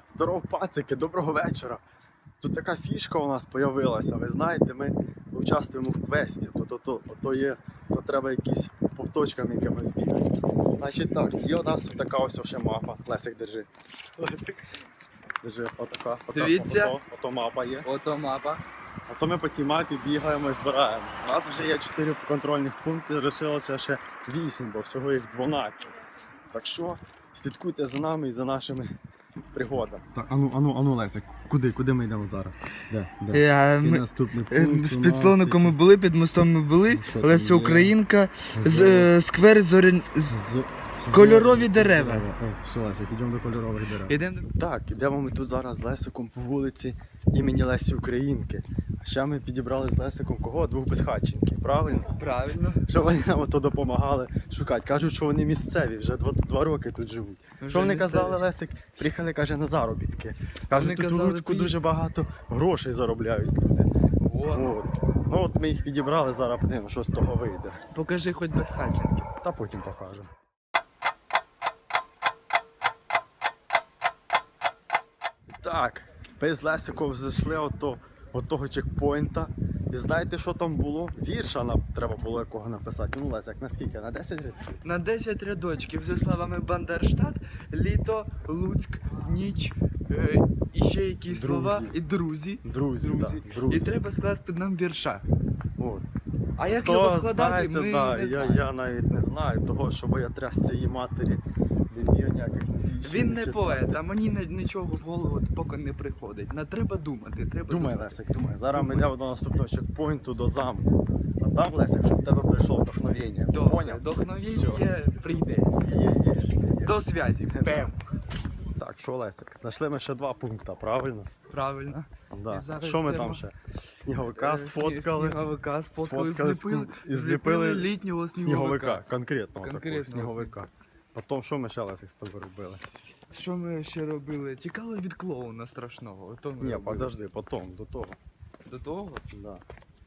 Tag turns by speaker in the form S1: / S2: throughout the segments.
S1: Здоров, пацики, доброго вечора. Тут така фішка у нас з'явилася. Ви знаєте, ми участвуємо в квесті. То треба якісь по точкам якимось бігати. Значить так, є у нас така ось ще мапа. Лесик, держи. Лесик. Держи, отака.
S2: Дивіться.
S1: Ото мапа є.
S2: Ото мапа.
S1: А то ми по тій мапі бігаємо і збираємо. У нас вже є 4 контрольних пункти, лишилося ще 8, бо всього їх 12. Так що слідкуйте за нами і за нашими пригодами. Так, ану, Лесик, куди ми йдемо зараз? Де?
S2: Ми
S1: Наступний пункт
S2: з
S1: у
S2: підслонником ми
S1: нас
S2: були, під мостом ми були.
S1: Що там
S2: Леся
S1: є?
S2: Українка,
S1: Зоря.
S2: сквер кольорові дерева.
S1: Все, Лесик, йдемо до кольорових дерев.
S2: Ідемо.
S1: Так, ідемо ми тут зараз з Лесиком по вулиці імені Лесі Українки. А ще ми підібрали з Лесиком кого? 2 безхатченків, правильно?
S2: Правильно.
S1: Що вони нам ото допомагали шукати. Кажуть, що вони місцеві, вже 2 роки тут живуть. Що вони казали, Лесик? Приїхали, каже, на заробітки. Кажуть,
S2: Вони
S1: тут у
S2: казали,
S1: Луцьку дуже багато грошей заробляють люди. От. Ну от ми їх підібрали, зараз подивимося, що з того вийде.
S2: Покажи хоч без хатченки.
S1: Та потім покажемо. Так, ми з Лесиком зайшли от того чекпоінта. І знаєте, що там було? Вірша нам треба було якого написати. Ну, Лесик, на скільки? На 10 років?
S2: На 10 рядочків зі словами Бандерштат, літо, Луцьк, ніч, і ще якісь
S1: Друзі.
S2: слова, і друзі.
S1: Друзі.
S2: І треба скласти нам вірша.
S1: От.
S2: А як його складати,
S1: знаєте,
S2: ми
S1: да,
S2: не знаємо.
S1: я навіть не знаю того, що я тряс цієї матері не вмію ніяких віршів
S2: Він не
S1: читати.
S2: поет, а мені нічого в голову поки не приходить. Треба думати,
S1: Думай,
S2: думати.
S1: Лесик, думай. Зараз ми
S2: Думай.
S1: йдемо до наступного чекпоінту, до замку. А там, Лесик, щоб в тебе прийшло вдохновення. Поняв?
S2: Вдохновення прийде.
S1: Є.
S2: До зв'язі. Пем.
S1: Так, що, Лесик, знайшли ми ще 2 пункти, правильно?
S2: Правильно.
S1: Да.
S2: І зараз
S1: Що ми
S2: треба-
S1: там ще? Сніговика сфоткали.
S2: Сніговика сфоткали,
S1: Сфоткали
S2: зліпили
S1: зліпили
S2: літнього
S1: Сніговика, конкретного
S2: Конкретного
S1: такого сніговика. Потім що ми ще, Лесик, з тобою робили?
S2: Що ми ще робили? Тікали від клоуна страшного. Ото ми
S1: Ні,
S2: робили.
S1: подожди, потім, до того.
S2: До того?
S1: Да.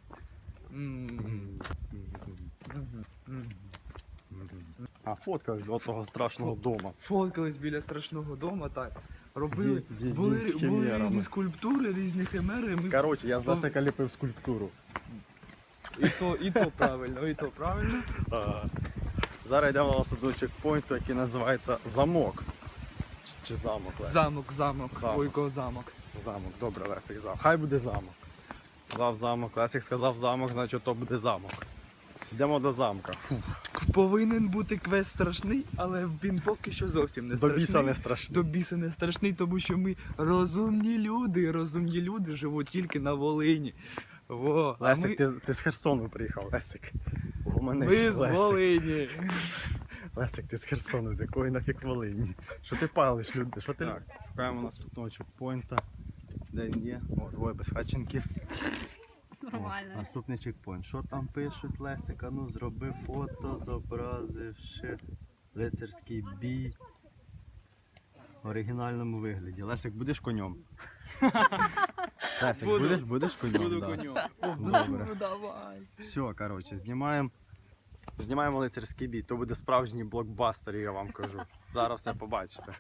S1: А фоткали до того страшного дома.
S2: Фоткались біля страшного дому, так. Робили. Були
S1: з химерами.
S2: різні скульптури, різні химери. Ми...
S1: Коротше, я з Лесика ліпив скульптуру.
S2: І то правильно, і то правильно.
S1: Зараз йдемо на наступний чекпоінт, який називається Замок. Чи замок, Лесик?
S2: Замок.
S1: Замок.
S2: Бойко замок.
S1: Замок, добре, Лесик, замок. Хай буде замок. Сказав замок, Лесик сказав замок, значить то буде замок. Йдемо до замка.
S2: Повинен бути квест страшний, але він поки що зовсім не
S1: До
S2: страшний.
S1: біса не страшно.
S2: До біса не страшний, тому що ми розумні люди живуть тільки на Волині. Во, а
S1: Лесик, ти з Херсону приїхав, Лесик.
S2: ми з Волині.
S1: Лесик, ти з Херсону, з якої нафіг Волині? Що ти палиш, люди? Що ти? Так, шукаємо наступного чекпоінта. Де він є? О, 2 безхатченків.
S3: Нормально.
S1: Наступний чекпоінт. Що там пишуть, Лесик? А ну, зроби фото, зобразивши лицарський бій в оригінальному вигляді. Лесик, будеш конем? Лесик,
S2: Буду.
S1: будеш конем?
S2: Буду
S1: Да.
S2: конем.
S1: Добре.
S2: Давай.
S1: Все, коротше, знімаємо лицарський бій. То буде справжній блокбастер, я вам кажу. Зараз все побачите.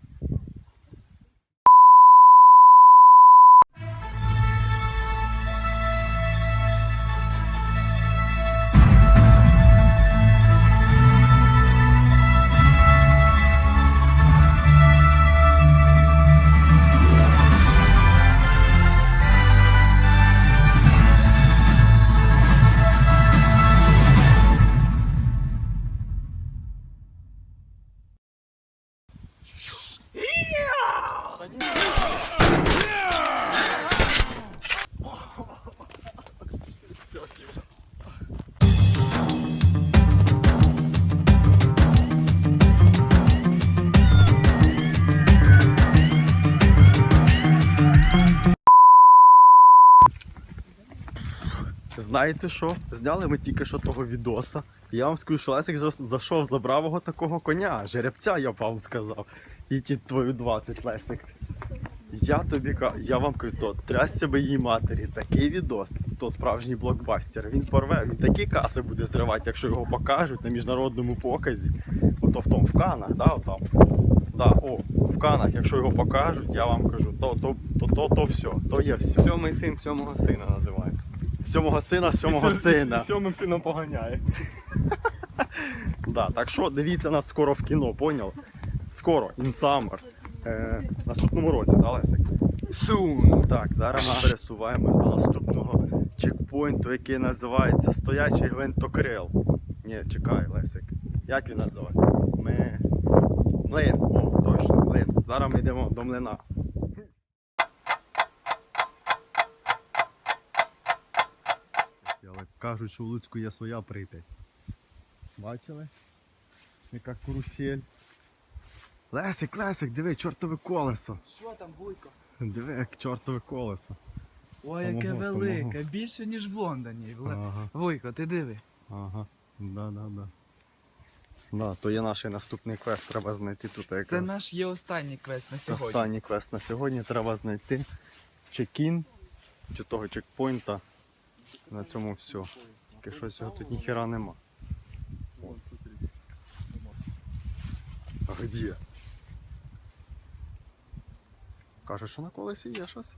S1: Знаєте що? Зняли ми тільки що того відоса. І я вам скажу, що Лесик зайшов, забрав його такого коня, жеребця, я б вам сказав. І ті твою 20, Лесик. Я вам кажу, то трясся би її матері, такий відос, то справжній блокбастер. Він порве, він такі каси буде зривати, якщо його покажуть на міжнародному показі. Ото в Канах, да, отам. Да, о, в Канах, якщо його покажуть, я вам кажу, то все, то є все.
S2: Сьомий син сьомого сина називається.
S1: Сьомого сина, сьомого сина.
S2: Сьомим сином поганяє.
S1: Да, так що дивіться нас скоро в кіно, поняв? Скоро, in summer. Наступному році, да, Лесик?
S2: Сун.
S1: Так, зараз ми пересуваємось до наступного чекпоінту, який називається Стоячий гвинтокрил. Ні, чекай, Лесик. Як він називає? Млин. О, точно, млин. Зараз ми йдемо до млина. Але кажуть, що в Луцьку є своя Прип'ять. Бачили? Яка карусель. Лесик, диви, чортове колесо.
S2: Що там, Вуйко?
S1: Диви, як чортове колесо.
S2: Ой, яке
S1: Помогу,
S2: велике,
S1: помогу.
S2: більше, ніж в Лондоні.
S1: Ага,
S2: Вуйко, ти диви.
S1: ага, да. Да, то є наш наступний квест, треба знайти тут якось.
S2: Це наш є останній квест на сьогодні.
S1: Останній квест на сьогодні, треба знайти чекін, чи того чекпоінта. На цьому все. Тільки щось його тут ніхера нема. А де? Каже, що на колесі є щось.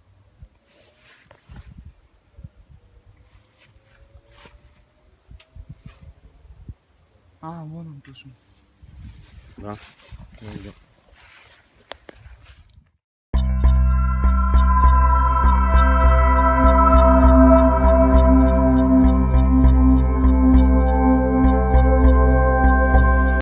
S2: А, вон он пише.
S1: Да. Ну, йде.